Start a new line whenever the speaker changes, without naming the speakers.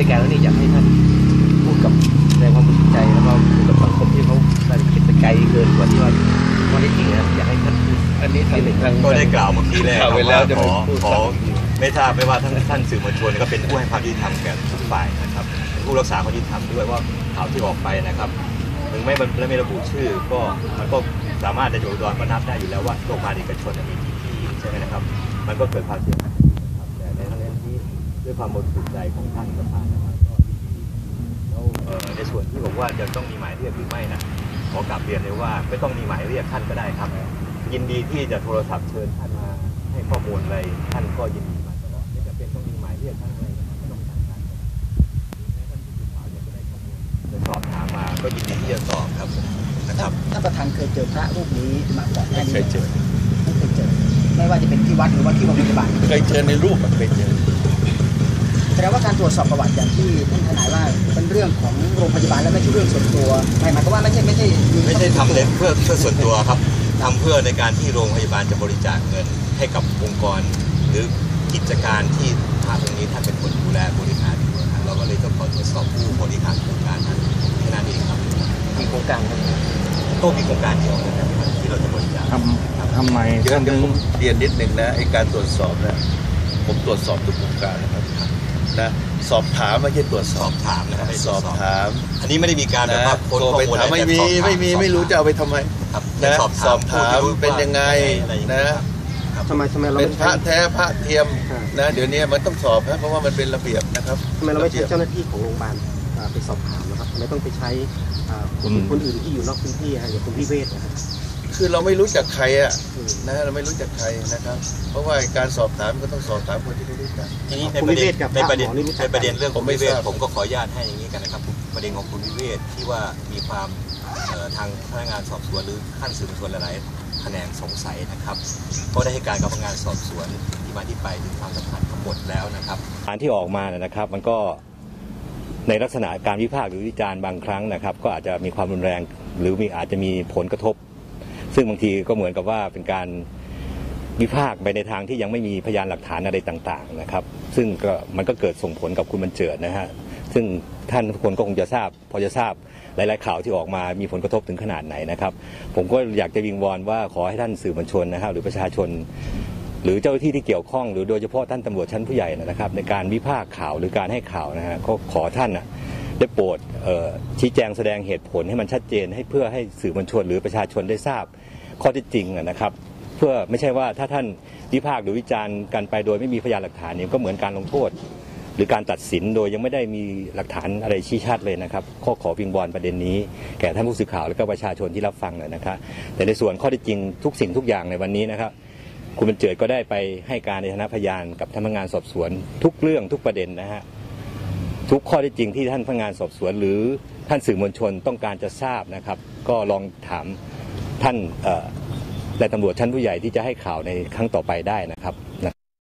รายการแล้วนี่อยากให้ท่านพูดกับแสดงความบริสุทธิ์ใจแล้วก็พูดกับสังคมที่เขาได้คิดไปไกลเกินกว่าที่ว่าข้อเท็จจริงนะครับอยากให้ท่านพูด
อันนี้ทาง
ก็ได้กล่าวเมื่อกี้แล้วว่าขอไม่ทราบไม่ว่าท่านสื่อมวลชนก็เป็นผู้ให้ความยุติธรรมแก่ทุกฝ่ายนะครับผู้รักษาความยุติธรรมด้วยว่าข่าวที่ออกไปนะครับถึงไม่ระบุชื่อก็มันก็สามารถในอุดรก็นับได้อยู่แล้วว่าโรงพยาบาลเอกชนมีกี่ที่ใช่ไหมนะครับมันก็เกิดความเสียหายนะครับแต่ในทั้งนั้นที่ด้วยความบริสุทธิ์ใจของท่านประธานนะครับก็แล้วในส่วนที่บอกว่าจะต้องมีหมายเรียกหรือไม่นะขอกลับเรียนเลยว่าไม่ต้องมีหมายเรียกท่านก็ได้ครับยินดีที่จะโทรศัพท์เชิญท่านมาให้ข้อมูลอะไรท่านก็ยินดีมาตลอดไม่จำเป็นต้องมีหมายเรียกท่านอะไรนะครับไม่ต้องทางการแม้ท่านผู้สื่อข่าวอยากจะได้ข้อมูลจะสอบถามมาก็ยินดีที่จะตอบครับนะครับ
ท่านประธานเคยเจอพระรูปนี้มาก่อนหน้านี้
เคยเจอ
ไม่เคยเจอไม่ว่าจะเป็นที่วัดหรือว่าที่โรงพยาบาล
เคยเจอในรูปเคยเจอ
แสดงว่าการตรวจสอบประวัติอย่างที่ท่านทนายว่าเป็นเรื่องของโรงพยาบาลและไม่ใช่เรื่องส่วนตัวหมายความว่าไม่ใช่
ทำเพื่อส่วนตัวครับทำเพื่อในการที่โรงพยาบาลจะบริจาคเงินให้กับองค์กรหรือกิจการที่ทางตรงนี้ท่านเป็นคนดูแลบริหารอยู่นะเราก็เลยต้องขอตรวจสอบผู้บริหารโครงการนั้นแค่นั้นเองครับ
มีโครงการ
ก็มีโครงการเดียวนะครับที่เราจะบริจาค
ทำไมท่านถึงเรียนนิดหนึ่งนะไอการตรวจสอบนะผมตรวจสอบทุกโครงการนะครับนะสอบถามไม่ใช่ตรวจสอบ
ถามนะครับ
สอบถาม
อันนี้ไม่ได้มีการแบบว่าคน
ไปถามไม่รู้จะเอาไปทำไมนะสอบถามเป็นยังไงนะ
ทำไมเรา
เป็นพระแท้พระเทียมนะเดี๋ยวนี้มันต้องสอบนะเพราะว่ามันเป็นระเบียบนะครับ
ทำไมเราไม่ใช้เจ้าหน้าที่ของโรงพยาบาลไปสอบถามนะครับทำไมต้องไปใช้คนอื่นที่อยู่นอกพื้นที่อย่างคุณพิเวศนะครับ
คือเราไม่รู้จักใครนะเราไม่รู้จักใครนะครับเพราะว่าการสอบถามก็ต้องสอบถามคนที่รู้จัก
ทีนี้ในประเด็นเรื่องคุณพิเวศผมก็ขออนุญาตให้อย่างนี้กันนะครับประเด็นของคุณพิเวศที่ว่ามีความทางพนักงานสอบสวนหรือขั้นสืบสวนหลายๆแขนงสงสัยนะครับก็ได้ให้การกับพนักงานสอบสวนที่มาที่ไปถึงความสำคัญทั้งหมดแล้วนะครับการที่ออกมานะครับมันก็ในลักษณะการวิพากษ์หรือวิจารณ์บางครั้งนะครับก็อาจจะมีความรุนแรงหรืออาจจะมีผลกระทบซึ่งบางทีก็เหมือนกับว่าเป็นการวิพากษ์ไปในทางที่ยังไม่มีพยานหลักฐานอะไรต่างๆนะครับซึ่งมันก็เกิดส่งผลกับคุณบรรเจิดนะฮะซึ่งท่านทุกคนก็คงจะทราบพอจะทราบหลายๆข่าวที่ออกมามีผลกระทบถึงขนาดไหนนะครับผมก็อยากจะวิงวอนว่าขอให้ท่านสื่อมวลชนนะครับหรือประชาชนหรือเจ้าหน้าที่ที่เกี่ยวข้องหรือโดยเฉพาะท่านตำรวจชั้นผู้ใหญ่นะครับในการวิพากษ์ข่าวหรือการให้ข่าวนะฮะก็ขอท่านได้โปรดชี้แจงแสดงเหตุผลให้มันชัดเจนให้เพื่อให้สื่อมวลชนหรือประชาชนได้ทราบข้อเท็จจริงนะครับเพื่อไม่ใช่ว่าถ้าท่านวิพากษ์หรือวิจารณ์กันไปโดยไม่มีพยานหลักฐานเนี่ยก็เหมือนการลงโทษหรือการตัดสินโดยยังไม่ได้มีหลักฐานอะไรชี้ชัดเลยนะครับขอวิงวอนประเด็นนี้แก่ท่านผู้สื่อข่าวและก็ประชาชนที่รับฟังนะครับแต่ในส่วนข้อเท็จจริงทุกสิ่งทุกอย่างในวันนี้นะครับคุณบรรเจิดก็ได้ไปให้การในฐานะพยานกับท่านพนักงานสอบสวนทุกเรื่องทุกประเด็นนะฮะทุกข้อเท็จจริงที่ท่านพนักงานสอบสวนหรือท่านสื่อมวลชนต้องการจะทราบนะครับก็ลองถามท่านและตำรวจชั้นผู้ใหญ่ที่จะให้ข่าวในครั้งต่อไปได้นะครับ